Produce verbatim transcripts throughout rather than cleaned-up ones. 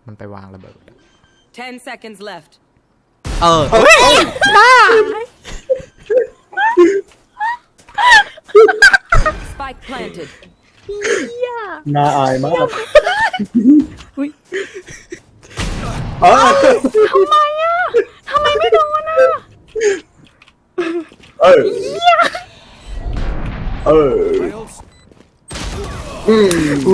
มันไปวางระเบิด ten seconds left เออบ้า spike planted น่าอายมากอุ้ยเออทำไมอ่ะทำไมไม่โดนอ่ะเออเอออืมวิ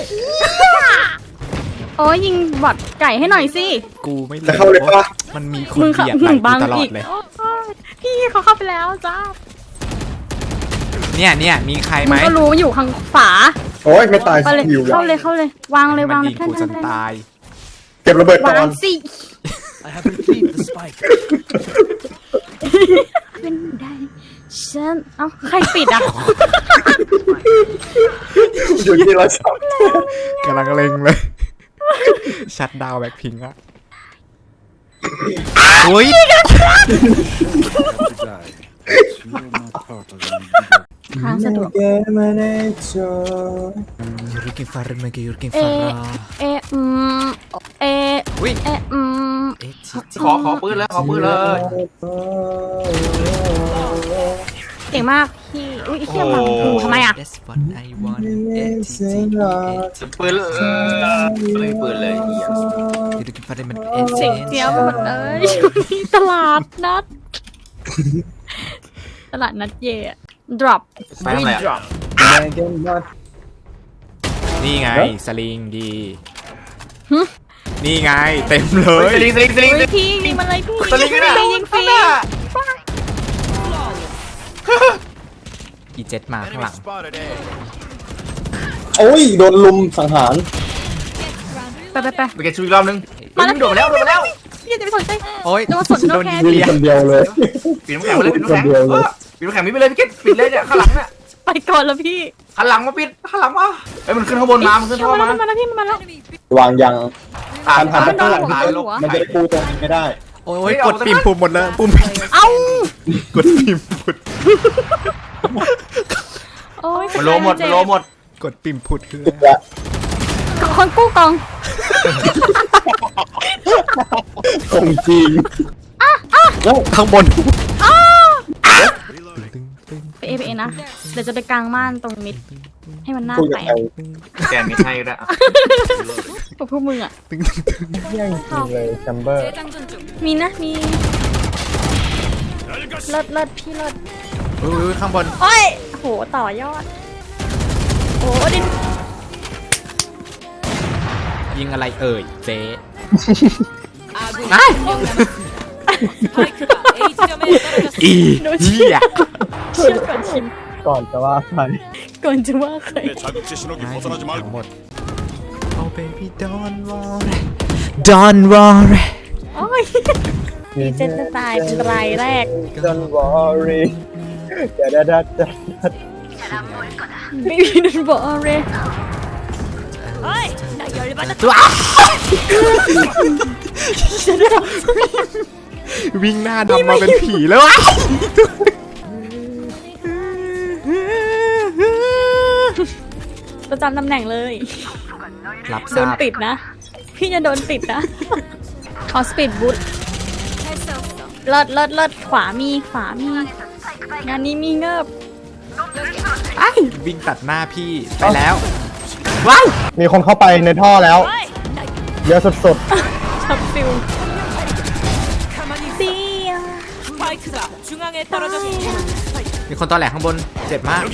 โอ้ยยิงบอดไก่ให้หน่อยสิกูไม่จะเข้าเลยปะมันมีคนมึงเบียดหไหลนึ่งบักูงตลออีดกเลยโอ้ยพี่เขาเข้าไปแล้วจ้าเนี่ยเนี่ยมีใครไหมึมงก็รู้อยู่ข้างฝาโอ้ยไม่ตายไปเลยอยู่เข้าเลยเข้าเลยวางเลยวางมันเลยยิงกูจนตายเก็บระเบิดก่อวาน งสิ I have retrieved the spike. เป็นได้ฉันเอ้าใครปิดอ่ะอยู่ที่เราชอบกำลังเล็งเลยชัดดาวแบ็คพิงอะโอ้ยทางสะดวกยูริกินฟาร์มเกยูริกินเอฟาร์เออืมเออุ้ยเออืมเอ๊ะชิจิขอขอปืนเลยขอปืนเลยเก่งมากพี่อุ้ยเชี่ยบังกูทำไมอ่ะ That's what I want เอ๊ะชิจิปืนเลยไม่มีปืนเลยเหี้ยยูริกินฟาร์มมันเอ๊ะเสียงเจี๊ยบหมดเลยช่วงนี้ตลาดนัด ตลาดนัดเย่ drop ไปทำอะไรอะนี่ไงสลิงดีนี่ไงเต็มเลเฮ้ยยสลิงสลิงสลิงเฮ้ยพี่ยิงมันเลยพี่สลิงกันไม่ยิงฟรีอีเจ็ดมาข้างหลังโอ้ยโดนลุมสังหารไปไปไปไปเก็บชูอีกรอบนึงมาแล้วโดดมาแล้วโดดมาแล้วพี่จะไปสนใจโอ้ยโดนสนโดนแค่โดนยิงคนเดียวเลยปิดน้ำแข็งไปเลยปิดน้ำแข็งเออปิดน้ำแข็งมิดไปเลยพี่เก็ตปิดเลยเนี่ยข้างหลังเนี่ยไปก่อนแล้วพี่ข้างหลังมาปิดข้างหลังมาเอ้ยมันขึ้นข้างบนมามันขึ้นท่อมามาแล้วมาแล้วพี่มาแล้ววางยังตามหันตามไปข้างหลังตามลงมันจะได้ปูตรงนี้ไม่ได้โอ้ยกดปิ่มปุ่มหมดเลยปุ่มเอ้ากดปิ่มพุดโอ้ยมันโลหมดมันโลหมดกดปิ่มพุดคือและคนกู้กองของจริงแล้วข้างบนไปเอไปเอนะเดี๋ยวจะไปกลางม่านตรงมิดให้มันหน้าคุยแตกับกใครแกมีให้ด้วยกับพวกมึงอ่ะแย่งจริงเลยแชมเบอร์มีนะมีเลิศเลิศพี่เลิศอุ้ยข้างบนโอ้ยโหต่อยอดโอ้ดินยิงอะไรเอ่ยเจ๊ 아군이 한 명 남았습니다. 스파이크가 A 지점에 떨어졌습니다. อีเหี้ยเชื่อก่อนชิมก่อนจะว่าใครก่อนจะว่าใคร 자극제 신호기 ทั้ 벗어나지 ง 말고. หมด Oh baby don't worry don't worry โอ้ยดีเจนจะตายเป็นรายแรก Don't worry เดี๋ยวเดี๋ยวเดี๋ยวเดี๋ยวไม่มีนันบอกอะไรเฮ้ยนายยอมรับตัววิ่งหน้าดำมาเป็นผีแล้ววะประจำตำแหน่งเลยรับโดทราน บติดนะ พี่จะโดนติดนะขอสปีดบูทเลิศเลิศเลิศขวามีขวามีงานนี้มีเงิบไอ้วิ่งตัดหน้าพี่ไปแล้วว้าวมีคนเข้าไปในท่อแล้วเยอะสุดช็อปฟิลเสีย 스파이크가 중앙에 떨어졌습니다. มีคนตอแหลกข้างบนเจ็บมาก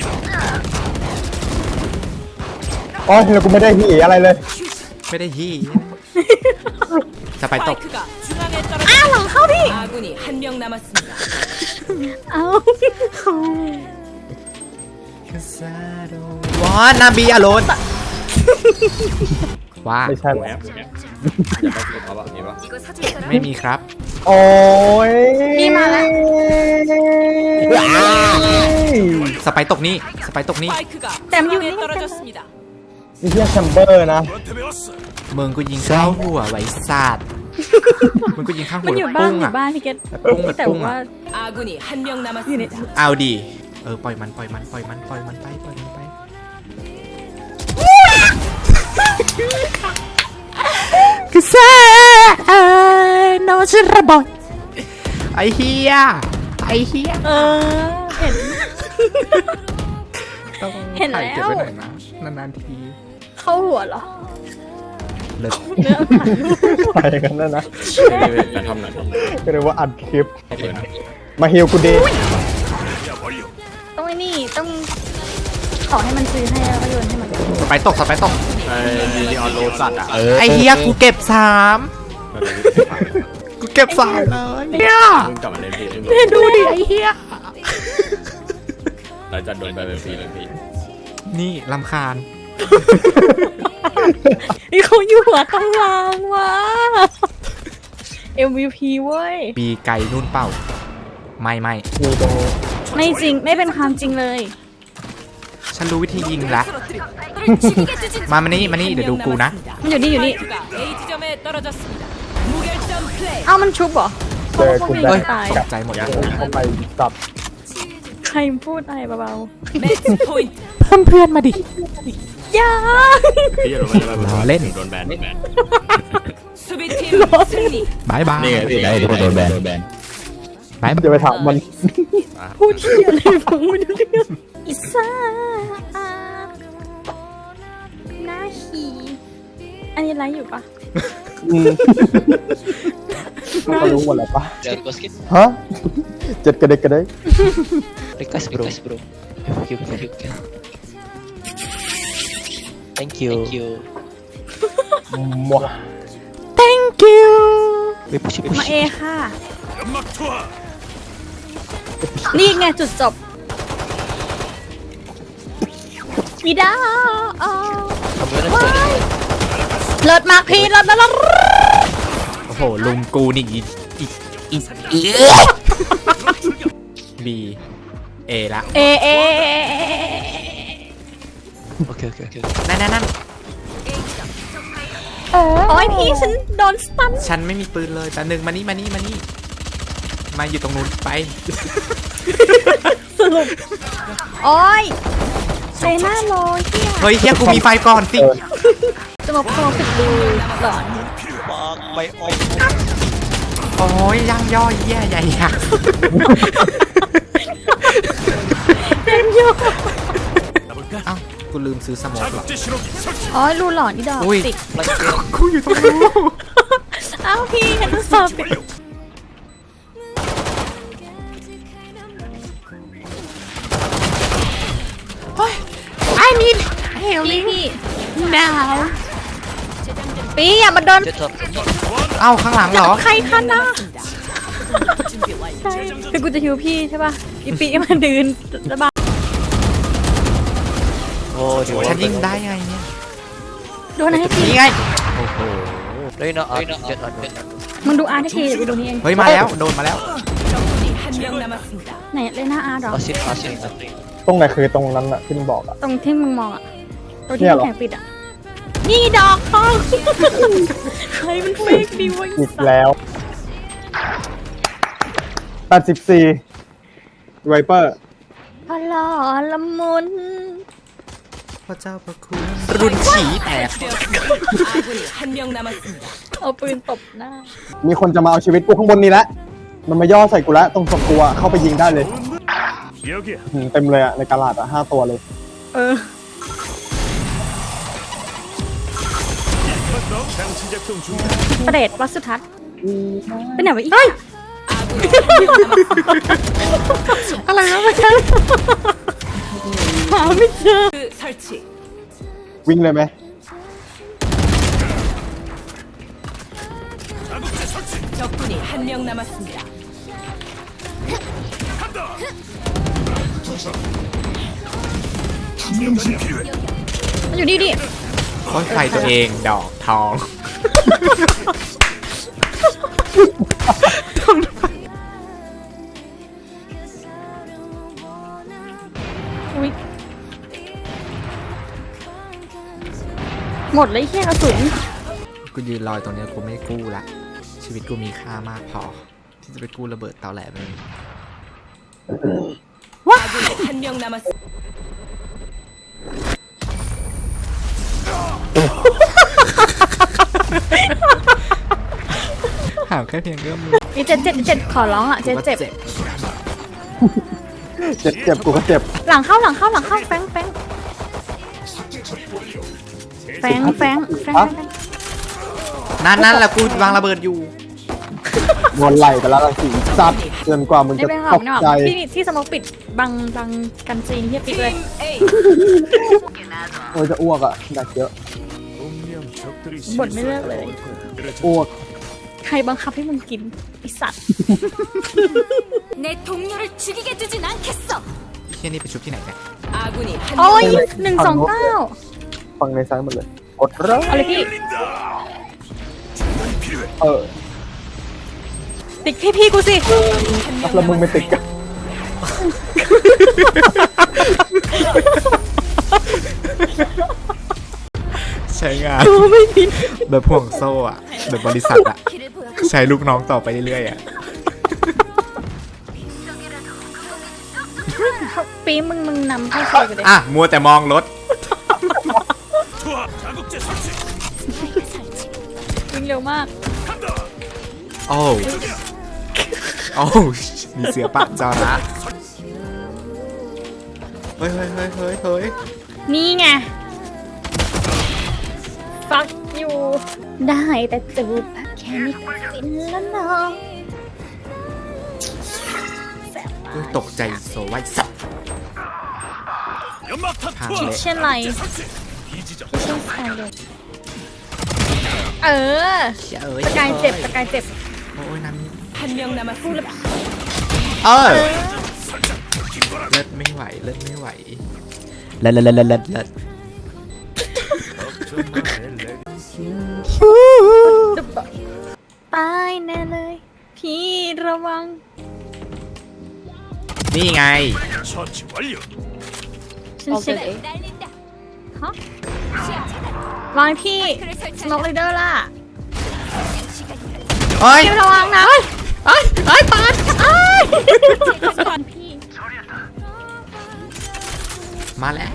ๆอ๋อแล้วกูไม่ได้หีอะไรเลยไม่ได้ยี่จะไปตก 스파이크가 중앙에 อ้าวหลัง 떨어졌습니다. เข้าพี่ 아군이 한 명 남았습니다. เอาวอนนาบีอโลนว่าไม่ใช่หรอไม่มีครับโอ้ยพี่มาแล้วสไปตกนี่สไปตกนี่ 스파이크가 땀 중앙에 유리. 떨어졌습니다. นี่เรียกแชมเบอร์นะ 너한테 배웠어. มึงก็ยิงเข้าหัวไว้ซาดมึงก็ยิงข้างหัมัวนอยู่บ้านปุ้งอยู่อ่ะบ้านพี่เกตปุ้งแบบแต่ปุ้งว่าอ่ะ 아군이 한 명 남았습니다. เอาดีเออปล่อยมันปล่อยมันปล่อยมันปล่อยมันไปปล่อยมันไปคือ say no ชิระบอยไอเฮียไอเฮียเออ เห็นต้องเห็นแล้วถ่ายเก็บไว้หน่อยนะนานๆทีเข้าหัวเหรอเลิกเนื้อผ่านไปกันนั่นนะจะทำหน่อยก็เลยว่าอัดคลิป มาฮิวกูดีต้องไอ้นี่ต้องขอให้มันซื้อให้แล้วก็โยนให้มันสไปตกสไปตกไอ้ดีออนโรสัตอ่ะ เออไอเฮียกูเก็บสามกูเก็บสามเลยเนี่ยมึงกลับมาเล่นพี่เนี่ยดูดิไอเฮียเราจะโดนไปเป็นพี่เลยพี่นี่ลำคาญนี่เขาอยู่หัวตารางวะ เอ็ม วี พี เว้ยปีไก่นุ่นเป่า ไม่ไม่มีตรงไม่จริง ไม่เป็นความจริงเลยฉันรู้วิธียิงละ มามานี่มานี่เดี๋ยวดูกูนะมันอยู่นี่อยู่นี่ 스파이크가 A지점에 떨어졌습니다. 무결점 플레이. เอ้ามันชุบเหรอเจอกูเขาได้ไม่ตายตกใจหมดเลยเข้าไปตับใครพูดอะไรเบา 매치 포인트. เพิ่มเพื่อนมาดิๆอย่าพี่จะโดนไปล้อเล่นโดนแบนโดนแบน 수비팀 승리. บายบายนี่ไงพี่ได้โดนแบนโดนแบนบายบายจะไปถามมันพูดเที่ยอะไรฟังไม่รู้เรื่องอิซ่าหน้าหีอันนี้ไลฟ์อยู่ปะอืมเขารู้หมดแล้วปะ Request kit? ฮะเจ็ดกระเด็กกระเด็ก Request bro. Request bro. Thank you, thank you. Thank you. Thank you. มัว thank you Wait, push it, มา push เอ it. ค่ะ นี่ไงจุดจบอีดาอ๋อ I'm gonna tell you. เลิศมากพี่เลิศเลิศเลิศโอ้โห ลุงกูนี่อีอีอีอีบีเอละเอเอ Okay, okay, okay. นั่นนั่นนั่นโอ้ยพี่ฉันโดนสตันฉันไม่มีปืนเลยแต่หนึ่งมานี่มานี่มานี่ มาอยู่ตรงนู้นไปสรุปโอ้ยเซน่าโลเฮียเฮ้ยเฮียกูมีไฟก่อนสิจะมาโพสิดูหลอนโอ้ยย่างย่อยแย่ใหญ่ยักษ์เต็มโยเอ้ากูลืมซื้อสโมกเหรออ๋อรูหลอนนี่ดอกอุ้ยติดกูอยู่ตรงนู้นอ้าวพี่ฉันต้องสอบติดไอ้นิดเฮลพี่ลิ่งพี่ดาวปีอย่ามาโดน Jet up. เอ้าข้างหลังเหรอใครคะนะใช่คือกูจะฮิวพี่ใช่ป่ะอีปีมันดืนระบาย Oh, do you ฉัน want ยิง to- ได้ไงเนี่ยโดนให้ทีนี่ไง No, you're not out. Jet out. มึงดูอาร์ตให้ทีเดี๋ยวกูดูนี่เองเฮ้ยมาแล้วโดนมาแล้ว 적군이 한 명 남았습니다. ไหนเลน่าอาร์ตหรอ Pass it, pass it. Nothing. ตรงไหนคือตรงนั้นอะที่มึงบอกอะตรงที่มึงมองอ่ะตรงที่เนี่ยเหรอแข่งปิดอ่ะนี่ดอกทอง ใครมันเฟกดีวะอีกแล้วแปดสิบสี่ไวเปอร์พลอละมุนพระเจ้าพระคุณรุนฉีแตก 아군이 한 명 남았습니다. เอาปืนตบหน้ามีคนจะมาเอาชีวิตกูข้างบนนี้แล้วมันมาย่อใส่กูแล้วตรงศพกูอะเข้าไปยิงได้เลยหืมเต็มเลยอะในกาลาดอะห้าตัวเลยเออ ประเดชวัดสุทัศน์เป็นไหนวะอีก 아군이 한 명 남았습니다. อะไรนะไม่ใช่หาไม่เจอ 그 설치. วิ่งเลยไหม 적군이 한 명 남았습니다. มันอยู่นี่ดิโอ้ยไฟตัวเองดอกทองอุ๊ยหมดเลยแค่กระสุนกูยืนรอยตรงเนี้ยกูไม่กู้ละ ชีวิตกูมีค่ามากพอ ที่จะไปกู้ระเบิดเตาแหลมเลย 아군이 한 명 남았습니다. แค่เพียงเอื้อมมือนี่เจ็ดเจ็ดเจ็ดขอร้องอ่ะเจ็ดเจ็บเจ็บเจ็บกูก็เจ็บหลังเข้าหลังเข้าหลังเข้าแฟงแฟงแฟงแฟงแฟงนั่นนั่นแหละกูวางระเบิดอยู่วนไหลไปแล้วละสีสัตว์จนกว่ามึงไม่จะเป็นไรตกไม่หรอกใจที่ที่สมองปิดบังบังกันซีนที่ปิดเลย A. โอ้ยจะอ้วกอ่ะดักเยอะบ่นไม่เลิกเลยอ้วกใครบังคับให้มึงกินไอสัตว์ 내 동료를 죽이게 두진 않겠어. เฮียนี่ไปชุบที่ไหนเนี่ย 아군이 한 โอ้ย 명 หนึ่งสองเก้าฟังในซ้ายหมดเลยกดเริ่มเอาเลยพี่เออติ๊กพี่พี่กูสิแล้วมึงไม่ติดกันใช้งานแบบพ่วงโซ่อะแบบบริษัทอะใช้ลูกน้องต่อไปเรื่อยๆอะปีมึงมึงนำเข้าซอยกูเลยอ่ะมัวแต่มองรถวิ่งเร็วมากโอ้โอ้มีเสือปะจอระเฮ้ยเฮ้ยเฮ้ยเฮ้ยเฮ้ยนี่ไงฟักอยู่ได้แต่จูบแค่นี้ก็ฟินแล้วน้องแสบมากตกใจโซไว้สับทางคิเละเช่นไรคิเช่นสไตล์เลยเออเอ้ยสกายเจ็บสกายเจ็บโอ้ยน้ำ 한 명 남았습니다. เออเลิศไม่ไหวเลิศไม่ไหวเลิศเลิศเลิศเลิศเลิศตายแน่เลย พี่ระวังนี่ไงฉันเช็คฮะวางพี่สโนว์ไรเดอร์ล่ะเฮ้ยพี่ระวังนะเฮ้ยเฮ้ยปาดพี่มาแล้ว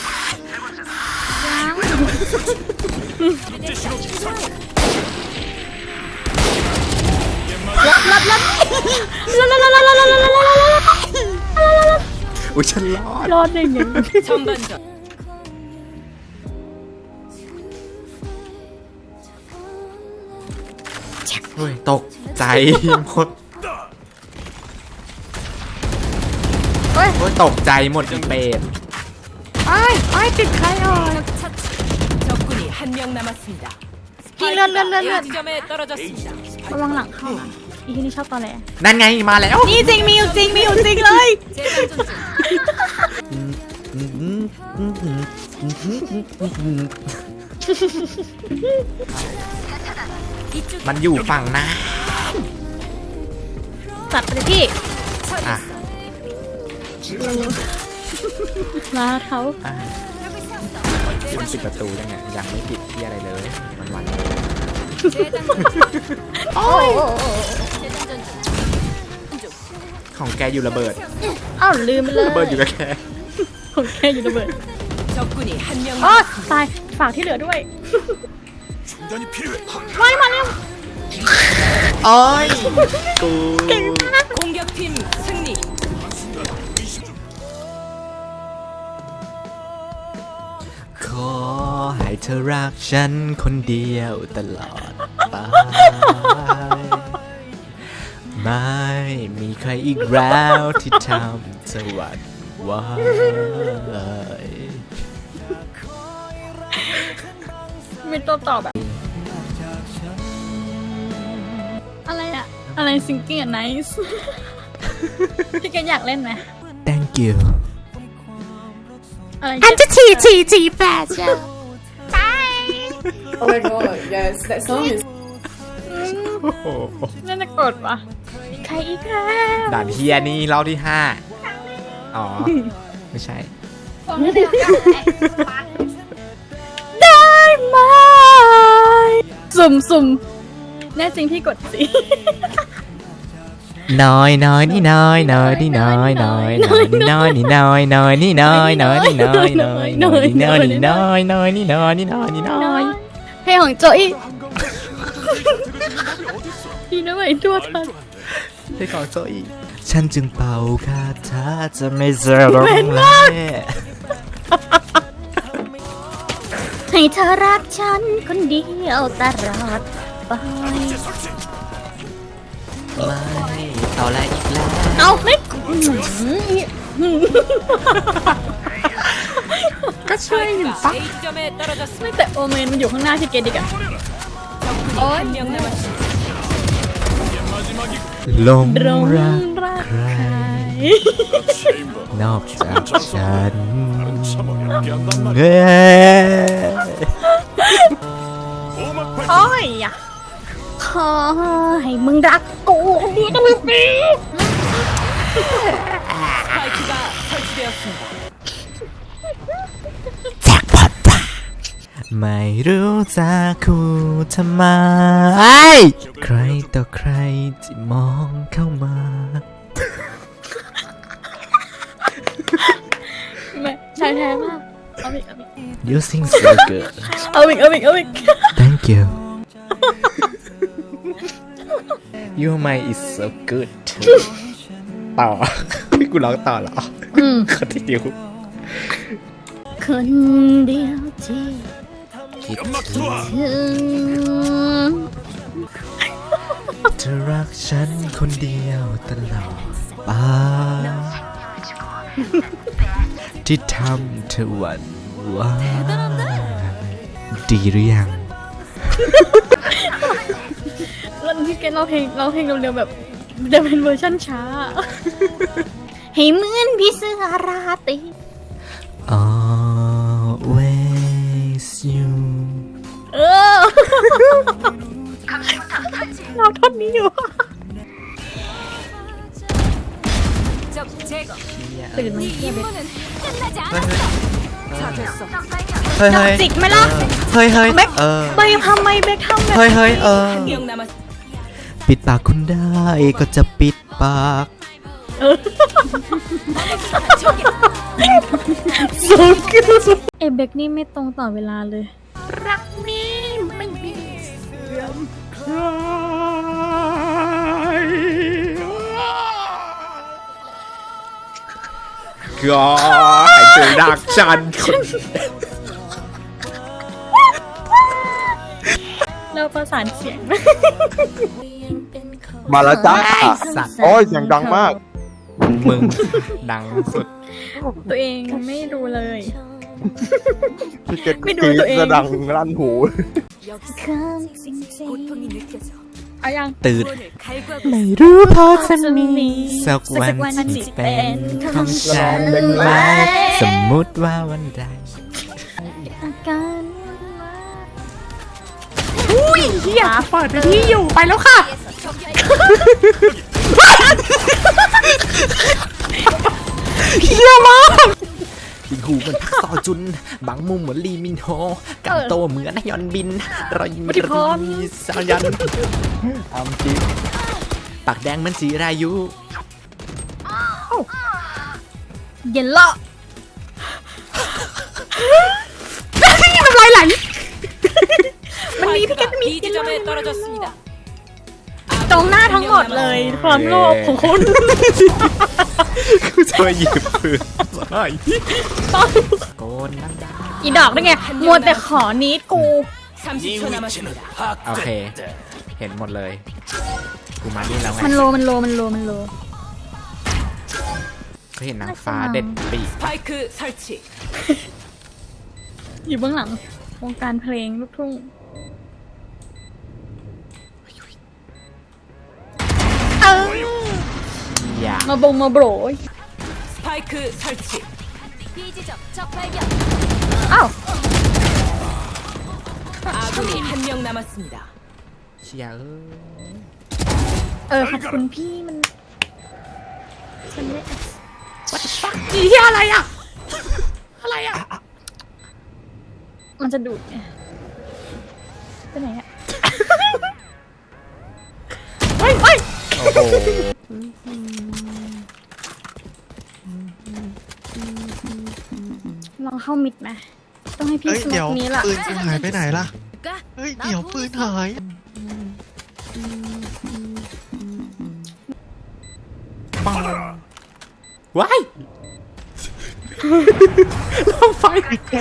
รับรับรับรับรับรับรับรับรับรับรับอุ้ยฉันรอดรอดได้ไง 전반전. เฮ้ยตกใจหมดเฮ้ยโอ้ยตกใจหมดอีเป็ดไอ้ไอ้ติดใครอ่ะ 적군이 한 명 남았습니다. 힐, 힐, 힐, 힐, 힐. A 지점에 떨어졌습니다. ระวังหลังเข้านะอีที่นี่ชอบตอนแรกนั่นไงมาแล้วนี่จริงมีอยู่จริงมีอยู่จริงเลย 재장전 중. มันอยู่ฝั่งหน้าจัดไปเลยพี่อ่ะมาเขาอ่ะมันปิดประตูได้ไงยังไม่ปิดที่อะไรเลยมันวันโอ้ย 재장전 중. ของแกอยู่ระเบิดอ้าวลืมไปเลยระเบิดอยู่กับแกผมแค่อยู่ระเบิด 적군이 한 명 อ๋อ 남았습니다. ตายฝากที่เหลือด้วยไม่มาเร็วโอ้ยกู 공격팀 승리. ขอให้เธอรักฉันคนเดียวตลอดไป ไม่มีใครอีกแล้วที่ทำเธอหวั่นไหวมีตัวต่อแบบ อะไรอะอะไรซิงกิ้งอะไนส์พี่แกอยากเล่นไหม Thank you อะไรอันจะฉี่ฉี่ฉี่แปดจ้ะ Oh my god, yes, that song is โอ้โหน่าจะกดวะใครอีกแล้วด่านเฮียนี่รอบที่ห้าอ๋อ ไม่ใช่ได้ไหมสุ่มสุ่มแน่จริงพี่กดสิน้อยน้อยนี่น้อยน้อยนี่น้อยน้อยน้อยนี่น้อยนี่น้อยน้อยนี่น้อยน้อยนี่น้อยน้อยน้อยนี่น้อยนี่น้อยน้อยนี่น้อยนี่น้อยนี่น้อยเพลงของโจอี้ดีนะไหมตัวทันให้ของโซอีฉันจึงเป่าคาถาจะไม่เจอร้องไห้ให้เธอรักฉันคนเดียวตลอดไปไม่เอาอะไรอีกแล้วเอาไม่ก็ช่วยอยู่ 스파이크가 A 지점에 떨어졌습니다. ไม่แต่โอเมนมันอยู่ข้างหน้าที่เกดอีกอะ 적군이 한 명 남았습니다. ลงรงรักรักใคร นอกจากฉันเฮ้ยโอ้ยอะขอให้มึงรักกูคนเดียวก็ไม่ปี 스파이크가 설치되었습니다. ไม่รู้จะคู่ทำไมใครต่อใครที่มองเข้ามาแม่ชายแท้มากเอาอีกเอาอีก You sing so good เอาอีกเอาอีกเอาอีก Thank you Your mind is so good ต่อ พี่กูร้องต่อเหรออืมคนที่เดียวคนเดียวที่คิดถึงเธอรักฉันคนเดียวตลอดไปที่ทำเธอหวั่นไหวดีหรือยังแล้วที่แกเราเพลงเราเพลงเร็วๆแบบจะเป็นเวอร์ชั่นช้า ให้เหมือนพี่เสือราตรี Always you เออ เราท่อนนี้อยู่ 적 제거. ตื่นมาเทียบเลย 끝나지 않았어. 찾았어. เฮ้ยเฮ้ยจิกไหมล่ะเฮ้ยเฮ้ยเบคเออเบคทำไมเบคทำแบบเฮ้ยเฮ้ยเออ 한 명 남았. ปิดปากคุณได้ก็จะปิดปากสูงขึ้นเอเบคนี่ไม่ตรงต่อเวลาเลย รักนี้ไม่มีเสื่อมก็ให้เธอรักฉันคนเราประสานเสียงมาแล้วจ้าสัตว์โอ้ยเสียงดังมากมึงดังสุดตัวเองไม่ดูเลยพี่เก็ตไม่ดูกรี๊ตัวเองจะดังลั่นหู 고통이 느껴져. เอายังตื่น 오늘 갈구하고 ไม่รู้พอจะจะมีมีสักวันที่เป็นของฉันไหมสมมุติว่าวันใดอาการอุ้ยเฮียเปิดไปที่อยู่ไปแล้วค่ะเฮียมากอีกหูเหมือนพักซอจุน บางมุมเหมือนลีมินโฮกันโตเหมือนนายอนบิน รอยยิ้มรีสายันอามจริงปากแดงเหมือนจีรายุเย็นละน้ำลายไหลมันมีพี่แก 스파이크가 มี B 지점에 떨어졌습니다. ตรงหน้าทั้งหมดเลยความโลภของคุณกูจะมาหยิบปืนใส่โกนนั่งได้อีดอกได้ไงมัวแต่ขอนิดกู 삼십 초 남았습니다. โอเค เห็นหมดเลย กูมาดีแล้วไงมันโลมันโลมันโลมันโลก็เห็นนางฟ้าเด็ดปีก 스파이크 설치. อยู่เบื้องหลังวงการเพลงลูกทุ่ง เอออย่ามาบงมาโบรย 스파이크 설치. B 지점 적 발견. อ้าว 아군이 한 명 남았습니다. เชียร์เออขอบคุณพี่มันฉันไม่อีเหี้ยอะไรอ่ะ อะไรอ่ะ มันจะดูดไงไปไหนอ่ะ เฮ้ยเฮ้ยโอ้โหลองเข้ามิดไหมต้องให้พี่สมัครนี้ล่ะปืนกูหายไปไหนล่ะ เฮ้ย เดี๋ยวปืนหายปังว้ายลงไฟ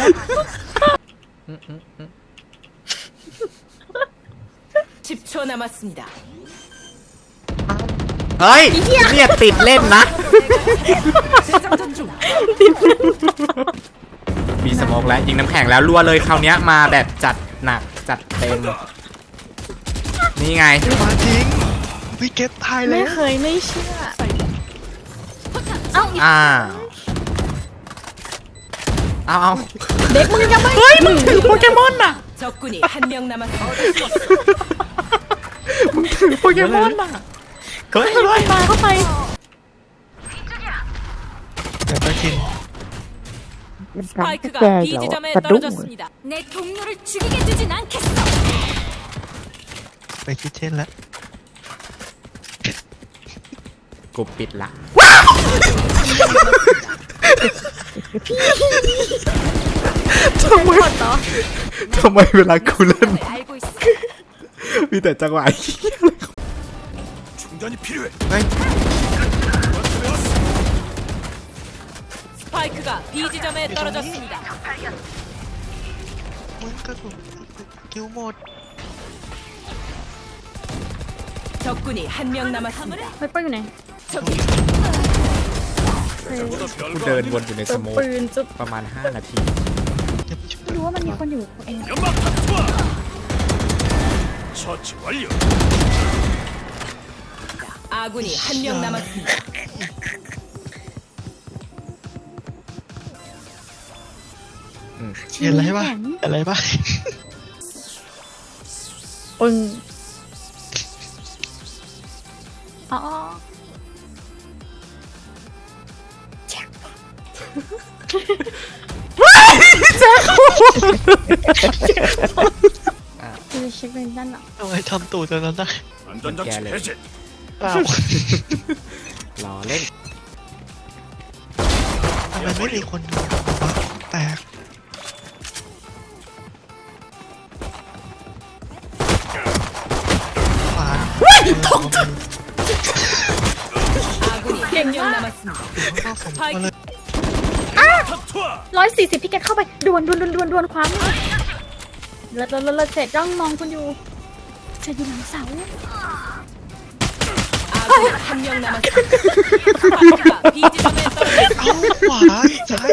십 초 남았습니다. เฮ้ยเนี่ยติดเล่นนะ 재장전 중. มีสโมกแล้วยิงน้ำแข็งแล้วรัวเลยคราวนี้มาแบบจัดหนักจัดเต็มนี่ไงมาจริงพี่เก็ตตายแล้ไม่วเคยไม่เชื่อ เอ้าอ้าวเอาเอาเด็กมึงยังไม่เฮ้ยมึงถือโปเกมอนอ่ะ 적군이 한 명 남았습니다. มึงถือโปเกมอนอ่ะเฮ้ยเฮ้ยมาเข้าไปแต่ไปกิน 스파이크가 B 지점에 떨어졌습니다. 내 동료를 죽이게 두진 않겠어. ไปคิดเช่นแล้วกูปิดละทำไมทำไมเวลากูเล่น 알고 있어. มีแต่จังหวะ 중단이 필요해. เฮ้ย 스파이크가 B 지점에 떨어졌습니다. 뭔가도 기우못. 적군이 한 명 남았습니다. ไวเปอร์อยู่ไหนกูเดินวนอยู่ในสจุดโมกปืนจุดประมาณห้านาทีไม่รู้ว่ามันมีคนอยู่เอง 연막 투하. 처치 완료. 아군이 한 명 남았습니다. เห็นอะไรปะอะไรปะปึ้งอ๋อ คือเช็คเป็นด้านหลังทำไมทำตูดตอนนั้นนะแกเลยเปล่ารอเล่นทำไมไม่มีคนดูวะแปลก ขวาน 아군이 한 명 남았습니다. ก็สมควรเลยร้อยสี่สิบพี่แกเข้าไปดวนดวนดวนดวนดวนคว้ามือเลิศเลิศเลิศเสร็จจ้องมองคุณอยู่เสร็จอยู่หลังเสา 아군이 한 명 남았습니다. 스파이크가 B 지점에 떨어졌습니다. เอ้าขวาใช่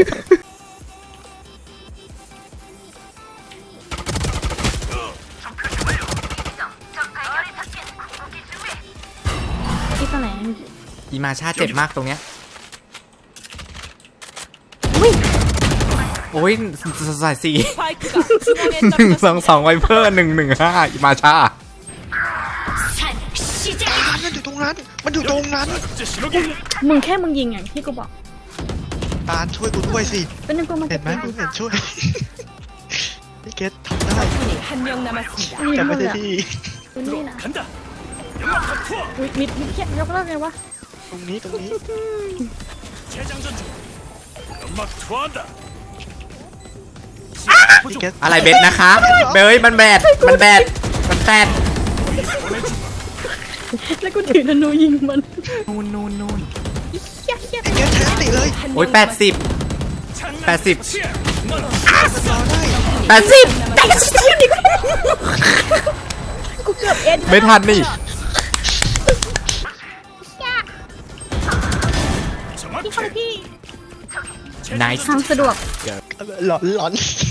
ที่ตรงไหนอีมาชาเจ็บมากตรงเนี้ยโอ้ยสายสี่ 스파이크가 중앙에 หนึ่งสอง 떨어졌습니다. สองไวเปอร์หนึ่งหนึ่งห้าอีมาชามันอยู่ตรงนั้น มันอยู่ตรงนั้นมึงแค่มึงยิงอย่างที่กูบอกตาลช่วยกูด้วยสิเป็นนึงกูมันเห็นไหมกูเห็นช่วย พี่เกตทำได้ 적군이 한 명 남았습니다. ยิงแต่หมไม่ดได้เลยดีคุณนี่นะมิดมิดมิดเทียบยกเลิกไงวะตรงนี้ตรงนี้ พี่เกตอะไรเบ็ดนะคะเบยมันแบดมันแบดมันแบดแล้วกูถือธนูยิงมันนูนนูนนูนเฮี้ยเฮี้ยพี่เกตแทนติเลยโอ้ยแปดสิบแปดสิบมันรอได้แปดสิบกูเกือบเอ็นไม่ทันนี่พี่เข้าไปพี่ nice ทางสะดวกหลอนหลอน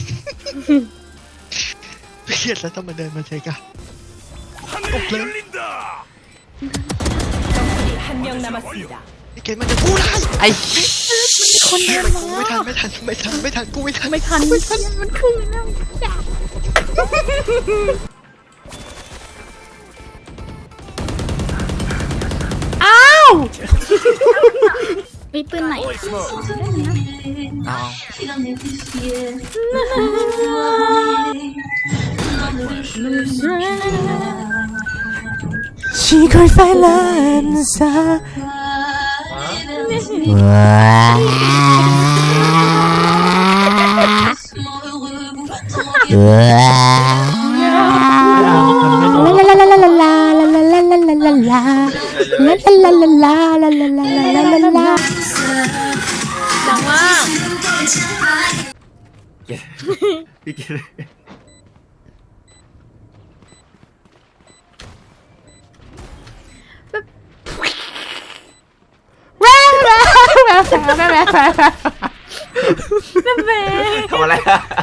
พี่เกตแล้วต้องมาเดินมาเจอกันตกเลย 적군이 한 명 남았습니다. พี่เกตมันจะพูดได้ไอ้คนเดินมาไม่ทันไม่ทันไม่ทันไม่ทันกูไม่ทันไม่ทันไม่ทันมันขึ้นแล้วอ้าวมีปืนไหนเอา ชีคอยไฟลันซาอะไรลาลาลาลาลาลาลาลาลาลาดังมากพี่เกดแว่แว่แว่แว่แว่แว่แม่ทำอะไรอะ